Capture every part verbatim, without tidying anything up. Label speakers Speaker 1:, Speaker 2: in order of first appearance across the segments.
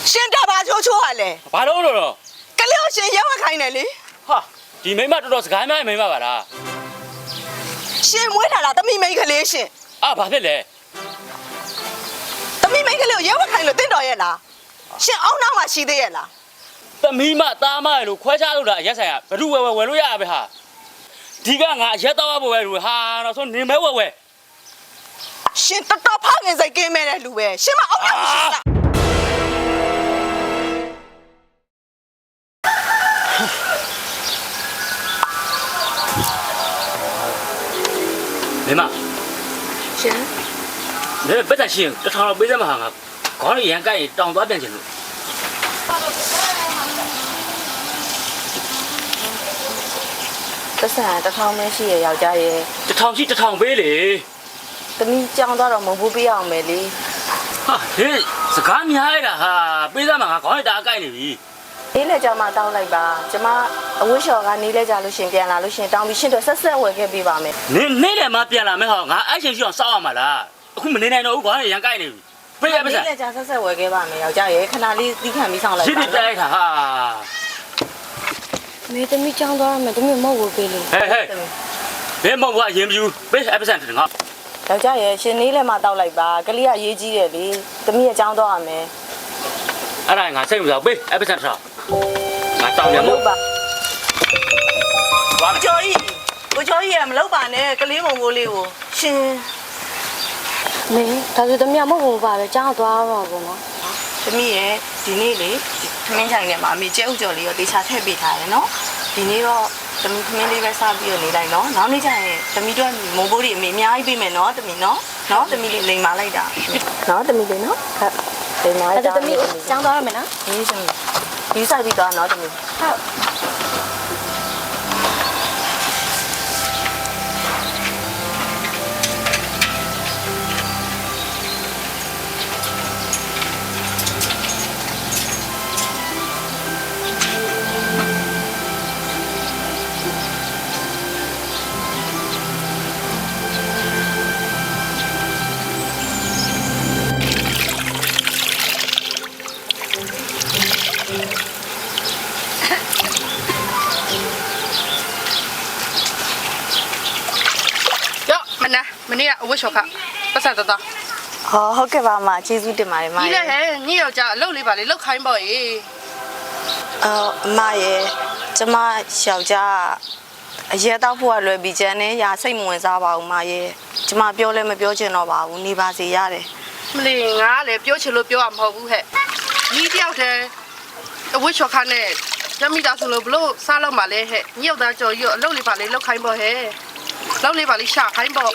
Speaker 1: ရှင်တာဘာချိုးချိုးရလဲ
Speaker 2: ဘာလို့လို့တော့
Speaker 1: ကလေးကိုရှင်ရောက်ခိုင်းတယ်လေ
Speaker 2: ဟာဒီမိမတော်တော်စကားများမိမပါလား
Speaker 1: ရှင်မွေးထားတာတမိမိကလေးရှင်
Speaker 2: အာဘာဖြစ်လဲ
Speaker 1: တမိမိကလေးကိုရောက်ခိုင်းလို့တင့်တော်ရဲ့လားရှင်အောင်းနောက်မှရှိသေးရဲ့လား
Speaker 2: သမီးမသားမလို့ခွဲခြားလို့တာအရက်ဆိုင်ကဘ누구ဝဲဝဲဝဲလို့ရပဲဟာဒီကငါအရက်တော့ဘဝဲလို့ဟာတော့ဆိုနေမဲဝဲဝဲ
Speaker 1: ရှင်တော်တော်ဖောက်ငင်စိတ်ကင်းမဲ့တဲ့လူပဲရှင်မအောင်းနောက်ရှိလား
Speaker 2: မိမ
Speaker 1: ရှင်
Speaker 2: နေပတ်သက်ရှင်တထောင်လောက်ပေးစမ်းမှာငါခေါင်းရန်ကြိုက်တောင်သွားပြန်ချင်လို့
Speaker 3: တဆန်တထောင်မရှိရယောက်ျားရဲ့
Speaker 2: တထောင်ရှိတထောင်ပေးလေ
Speaker 3: သမီးကြောင်းသွားတော့မဟုတ်ဘူးပြရအောင်မယ်လေ
Speaker 2: ဟာဟေးစကားများရတာဟာပေးစမ်းမှာငါခေါင်းရတာအကြိုက်နေပြီ
Speaker 3: နေလဲကြောင်မှတောင်းလိုက်ပါကျမအဝတ်လျှော်ကနေလဲကြလို့ရှင်ပြန်လာလို့ရှင်တောင်းပြီးရှင်တို့ဆက်ဆက်ဝယ်ခဲ့ပေးပါမယ်
Speaker 2: နေနေတယ်မှပြန်လာမယ်ဟောငါအဲ့ချိန်ရှိအောင်စောက်ရမှာလားအခုမနေနိုင်တော့ဘူးခေါင်းရရန်ကြိုက်နေပြီပေးရပါစမ်း
Speaker 3: နေလဲကြဆက်ဆက်ဝယ်ခဲ့ပါမယ်ယောက်ျားရဲ့ခဏလေးသီးခံပြီးဆောင်လိုက်ပါ
Speaker 2: ရှင်းပြလိုက်တာဟာ
Speaker 3: မေသမီးကြောင်းသွားရမယ်သမီးမဟုတ်ဘူးပေးလို့
Speaker 2: ဟဲ့ဟဲ့ဘယ်မဟုတ်ဘူးအရင်မယူပေးအဲ့ပါစမ်းတယ်ငါ
Speaker 3: ယောက်ျားရဲ့ရှင်နေလဲမှတောက်လိုက်ပါကလေးကရေးကြီးတယ်လေသမီးရဲ့ကြောင်းသွားရမယ်
Speaker 2: အဲ့ဒါငါစိတ်မစားပေးအဲ့ပါစမ်းထားငါတောင်းရမို့
Speaker 3: ပါ
Speaker 1: ဘာကြော်ကြီးကိုကြော်ကြီးရမလုပ်ပါနဲ့ကလေးမုံကိုလေးကိုရှင်
Speaker 3: မင်းဒါဆိုသမီးကမဟုတ်ဘူးပါပဲကြောင်းသွားမှာပေါ့နော်
Speaker 1: သမီးရဲ့ဒီနေ့လေခမင်းဆိုင်ထဲမှာအမေကျဲဥကြော်လေးရောတေချာထည့်ပေးထားတယ်နော်ဒီနေ့တော့သမီးခမင်းလေးပဲစားပြီးတော့နေလိုက်နော်နောက်နေ့ကျရင်သမီးတို့မုံဘိုးတွေအမေအများကြီးပေးမယ်နော်သမီးနော်နော်သမီးလေးလိန်မာလိုက်တာ
Speaker 3: နော်သမီးလေးနော်ဟုတ်လိန်မာလိုက်တာသမီးကြောင်းသွားရမယ်နော်
Speaker 1: ဒီသမီးဒီဆိုင်ပြီးတော့နော်သမီး
Speaker 3: ဟုတ်
Speaker 4: မနေ့ကအဝတ်လျှော်ခပတ်စံတတော်
Speaker 3: ဟောဟုတ်ကဲ့ပါမကျေးဇူးတင်ပါတယ်မ
Speaker 4: ကြီးလေဟဲ့ညီယောက်ျားအလုပ်လေးပါလေလောက်ခိုင်းပေါ့ရေ
Speaker 3: အော်မရဲ့ကျမယောက်ျားအရက်တော့ဖို့ကလွယ်ပြီးကျန်နေရာစိတ်မဝင်စားပါဘူးမရဲ့ကျမပြောလဲမပြောချင်တော့ပါဘူးနေပါစေရတယ်
Speaker 4: မလီငါလည်းပြောချင်လို့ပြောရမဟုတ်ဘူးဟဲ့ညီတယောက်တည်းအဝတ်လျှော်ခနဲ့ညမိသားဆိုလို့ဘလို့စားလောက်မှလဲဟဲ့ညီယောက်သားကြော်ကြီးအလုပ်လေးပါလေလောက်ခိုင်းပေါ့ဟဲ့လောက်လေးပါလေရှာခိုင်းပေါ့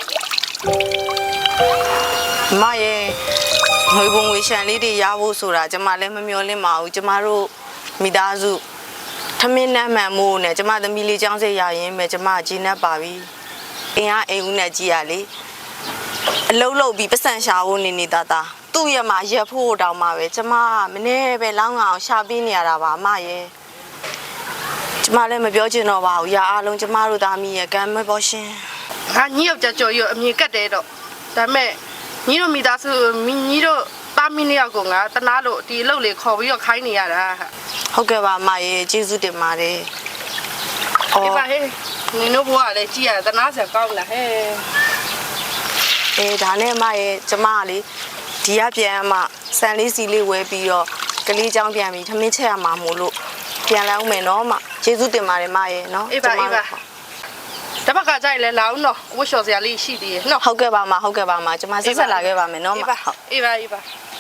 Speaker 3: မရဲ့ငွေပုံငွေရှန်လေးတွေရဖို့ဆိုတာကျမလည်းမမျှော်လင့်ပါဘူးကျမတို့မိသားစုထမင်းနဲ့မှန်မိုးနဲ့ကျမသမီးလေးចောင်းစိတ်ရရင်ပဲကျမကြီးနှက်ပါပြီအင်းအားအိမ်ဦးနဲ့ကြီးရလေအလုံးလုံးပြီးပတ်စံရှာဖို့နေနေတာတာသူ့ရမှာရက်ဖို့တောင်းမှာပဲကျမမနေ့ပဲလောင်းအောင်ရှာပေးနေရတာပါမရဲ့ကျမလည်းမပြောချင်တော့ပါဘူးရာအားလုံးကျမတို့သားမီးရဲ့ကံမဲ့ပေါ်ရှင်
Speaker 4: ငါညီယောက်ျားကြော်ကြီးအမြင်ကတ်တယ်တော့ဒါမဲ့ညီတို့မိသားစုညီတို့တာမီးနှစ်ယောက်ကငါတနာလို့ဒီအလုပ်လေးခေါ်ပြီးတော့ခိုင်းနေရတာ
Speaker 3: ဟုတ်ကဲ့ပါမရေကျေးဇူးတင်ပါတယ်
Speaker 4: ဒီပါဟဲ့နင်တို့ဘွားလည်းကြည်ရတနာစရာကောင်းလားဟဲ့
Speaker 3: အေးဒါနဲ့မရေကျမလေဒီကပြန်မှစံလေးစီလေးဝဲပြီးတော့ကလေးချောင်းပြန်ပြီးထမင်းချက်ရမှာမို့လို့ပြန်လာအောင်မယ်နော်မကျေးဇူးတင်ပါတယ်မရေနော်
Speaker 4: အေးပါအေးပါတပတ်ကကြိုက်လဲလာအောင်နော်ဝတ်လျှော်စရာလေးရှိသေးရဲ့နော်
Speaker 3: ဟုတ်ကဲ့ပါမဟုတ်ကဲ့ပါမကျမဆက်ဆက်လာခဲ့ပါမယ်နော်မဟုတ်
Speaker 4: အေးပါအေးပါ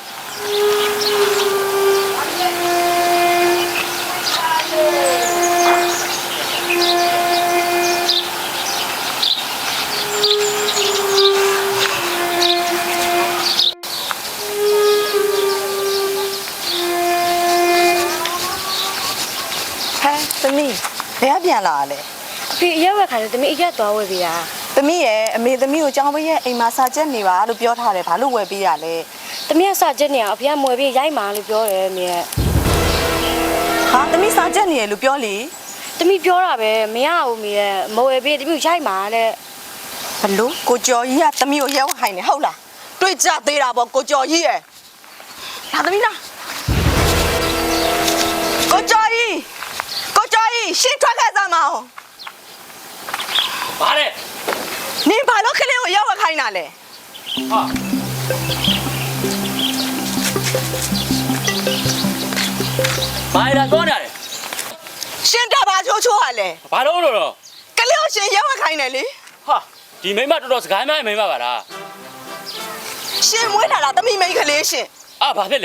Speaker 3: ဟဲ့သမီးဘယ်ကပြန်လာလဲ
Speaker 5: ဖေအရက်ဝက်ခိုင်းတယ်သမီးအရက်သွားဝယ်ပေးတာ
Speaker 3: သမီးရဲ့အမေသမီးကိုကြောင်းပေးရဲ့အိမ်မှာစာချက်နေပါလို့ပြောထားတယ်ဘာလို့ဝယ်ပေးရလဲ
Speaker 5: သမီးကစာချက်နေအောင်အဖေကမွယ်ပေးရိုက်မှာလို့ပြောတယ်အမေက
Speaker 3: ဟာသမီးစာချက်နေရလို့ပြောလေ
Speaker 5: သမီးပြောတာပဲမရဘူးအမေကမဝယ်ပေးသမီးကိုရိုက်မှာတဲ့
Speaker 3: ဘလို့ကိုကျော်ကြီးကသမီးကိုရဲဝခိုင်းနေဟုတ်လားတွေ့ကြသေးတာပေါ့ကိုကျော်ကြီးရဲ့လာသမီးလားင်းတာလဲ
Speaker 2: ဟာဘာလဲတော့နေလဲ
Speaker 3: ရှင်တဘာချိုးချိုးဟာလဲ
Speaker 2: ဘာလို့လို့တော့
Speaker 3: ကလေးကိုရှင်ရက်ဝက်ခိုင်းတယ်လေ
Speaker 2: ဟာဒီမိမတော်တော်စကားများမိမပါလား
Speaker 3: ရှင်မွေးလာတာသမီးမိန်းကလေးရှင်
Speaker 2: အာဘာဖြစ်လဲ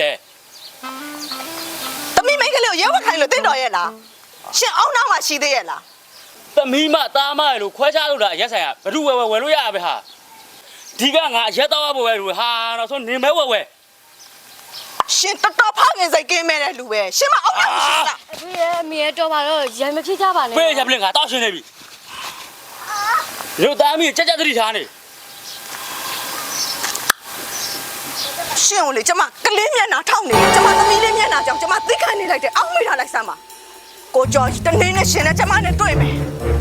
Speaker 3: သမီးမိန်းကလေးကိုရက်ဝက်ခိုင်းလို့တင့်တော်ရဲ့လားရှင်အောင်းနောက်မှာရှိသေးရဲ့လား
Speaker 2: သမီးမသားမရဲ့လို့ခွဲခြားလို့တာအရက်ဆိုင်ကဘ누구ဝယ်ဝယ်ဝယ်လို့ရပဲဟာဒီကငါအရက်တော့ဘဝယ်လို့ဟာတော့ဆိုနေမဲဝယ်ဝယ်
Speaker 3: ရှင်တော်တော်ဖောက်ငင်စိတ်ကင်းမဲ့တဲ့လူပဲရှင်မအောင်းနောက်မရှိဘူးလား
Speaker 5: အဖေရဲ့အမေရဲ့တော်ပါတော့ရံမဖြစ်ကြပါနဲ့
Speaker 2: ပေးရပလင်ငါတောက်ရှင်းနေပြီရုပ်သားမီးကြက်ကြက်သတိထားနေ
Speaker 3: ရှင်ကိုလေကျမကလေးမျက်နှာထောက်နေတယ်ကျမသမီးလေးမျက်နှာကြောင့်ကျမသိခံနေလိုက်တယ်အောင်းမိထားလိုက်စမ်းပါကိုကျော်တနေ့နဲ့ရှင်နဲ့ကျမနဲ့တွေ့မယ်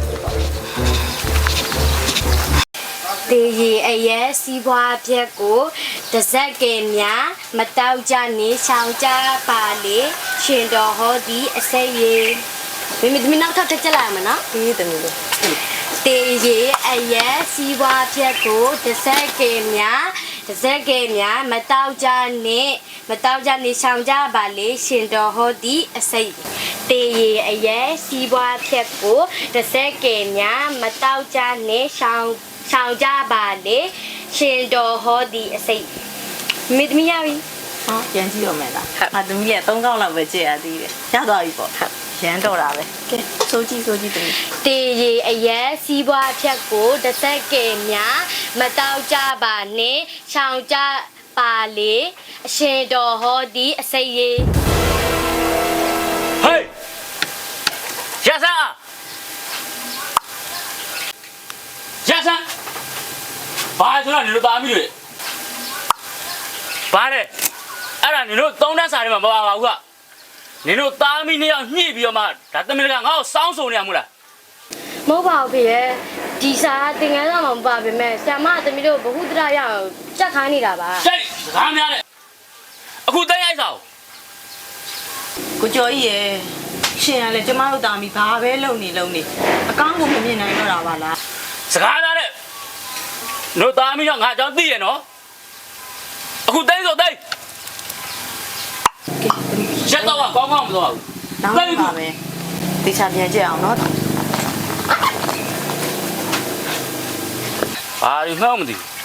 Speaker 5: တေရီအရဲ့စီးပွားပြက်ကိုတစ်စက်ကင်များမတောက်ကြနေဆောင်ကြပါလေရှင်တော်ဟောဒီအစိတ်ရေမိမိသမီးနောက်ထပ်တက်ကြလာမနော်
Speaker 3: ဒီသမီးလေး
Speaker 5: တေရီအရဲ့စီးပွားပြက်ကိုတစ်စက်ကင်များတစ်စက်ကင်များမတောက်ကြနေမတောက်ကြနေဆောင်ကြပါလေရှင်တော်ဟောဒီအစိတ်တေရီအရဲ့စီးပွားပြက်ကိုတစ်စက်ကင်များမတောက်ကြနေဆောင်ဆောင်ကြပါလေရှင်တော်ဟောဒီအစိတ်မိသမီးရပြီ
Speaker 3: ဟောပြန်ကြည့်ရမယ်လားငါသမီးကသုံးခေါက်လောက်ပဲကြည့်ရသေးတယ်ရသွားပြီပေါ့ရမ်းတော့တာပဲကဲစိုးကြည့်စိုးကြည့်သမီး
Speaker 5: တေရီအရဲ့စီးပွားဖြတ်ကိုတစ်ဆက်ကင်များမတောက်ကြပါနဲ့ရှောင်ကြပါလေအရှင်တော်ဟောဒီအစိတ်ရေ
Speaker 2: ဟေးရဆန်းရဆန်းဘာဆိုတော့နေလို့သားမိလို့ဘာလဲအဲ့ဒါနေလို့သုံးတန်းစာတွေမှာမပါပါဘူးကနေလို့သားမိနှစ်ယောက်ညှိပြီးတော့မှဒါသမီးကငါ့ကိုစောင်းဆိုနေရမို့လား
Speaker 5: မဟုတ်ပါဘူးဖေရဲ့ဒီစာသင်္ကန်းဆောင်မှာမပါပါမဲ့ဆရာမသမီးတို့ဘ ഹു တရရအောင်ကြက်ခိုင်းနေတာပါ
Speaker 2: စိတ်စကားများနဲ့အခုတိုင်းရိုက်စာကို
Speaker 3: ကိုကျော်ကြီးရယ်ရှင်ကလည်းကျမတို့တာမီဘာပဲလုံနေလုံနေအကောင်းကိုမမြင်နိုင်တော့တာပါလား
Speaker 2: စကားများနဲ့တို့သားမိတော့ငါအကြောင်းသိရနော်အခုတိုင်းဆိုတိုင်းရက်တော့ကောင်းကောင်းမသွားဘူး
Speaker 3: နောက်ပါမယ်တေချာပြန်ကြည့်အောင်နော်
Speaker 2: ဘာလို့မှမသိဘူး